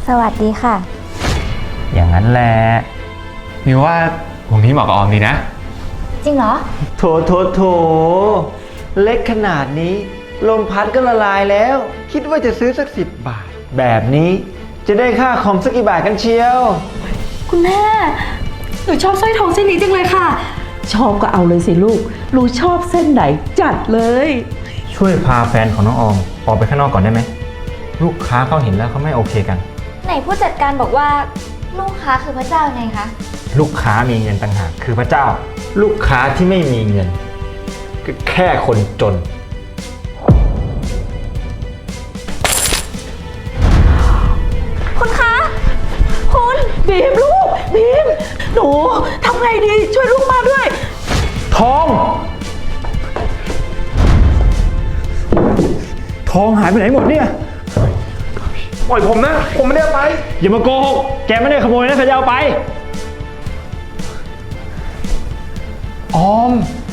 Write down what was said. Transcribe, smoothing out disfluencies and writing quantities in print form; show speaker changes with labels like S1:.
S1: สวัสดีค่ะ
S2: อย่างนั้นแหละ
S3: มิวว่าวงนี้เหมาะกับออมดีนะ
S1: จริงเหรอ
S4: โถเล็กขนาดนี้ลมพัดก็ละลายแล้ว คิดว่าจะซื้อสัก10 บาท แบบนี้จะได้ค่าคอมสักกี่บาทกันเชียว
S5: คุณแม่ หนูชอบสร้อยทองเส้นนี้จังเลยค่ะ
S6: ชอบก็เอาเลยสิลูกหนูชอบเส้นไหนจัดเลย
S2: ช่วยพาแฟนของน้องออมออกไปข้างนอกก่อนได้ไหมลูกค้าเขาเห็นแล้วเขาไม่โอเคกัน
S1: ไหนผู้จัดการบอกว่าลูกค้าคือพระเจ้าไงคะ
S2: ลูกค้ามีเงินต่างหากคือพระเจ้า ลูกค้าที่ไม่มีเงินก็แค่คนจน
S1: คุณคะ คุณ
S6: บีมลูกบีมหนูทำไงดีช่วยลูกมาด้วย
S2: ทอง ทองหายไปไหนหมดเนี่ย
S3: ปล่อยผมนะ ผมไม่ได้เอาไป
S2: อย่ามาโกหก แกไม่ได้ขโมยนะใครจะเอาไป
S3: ออม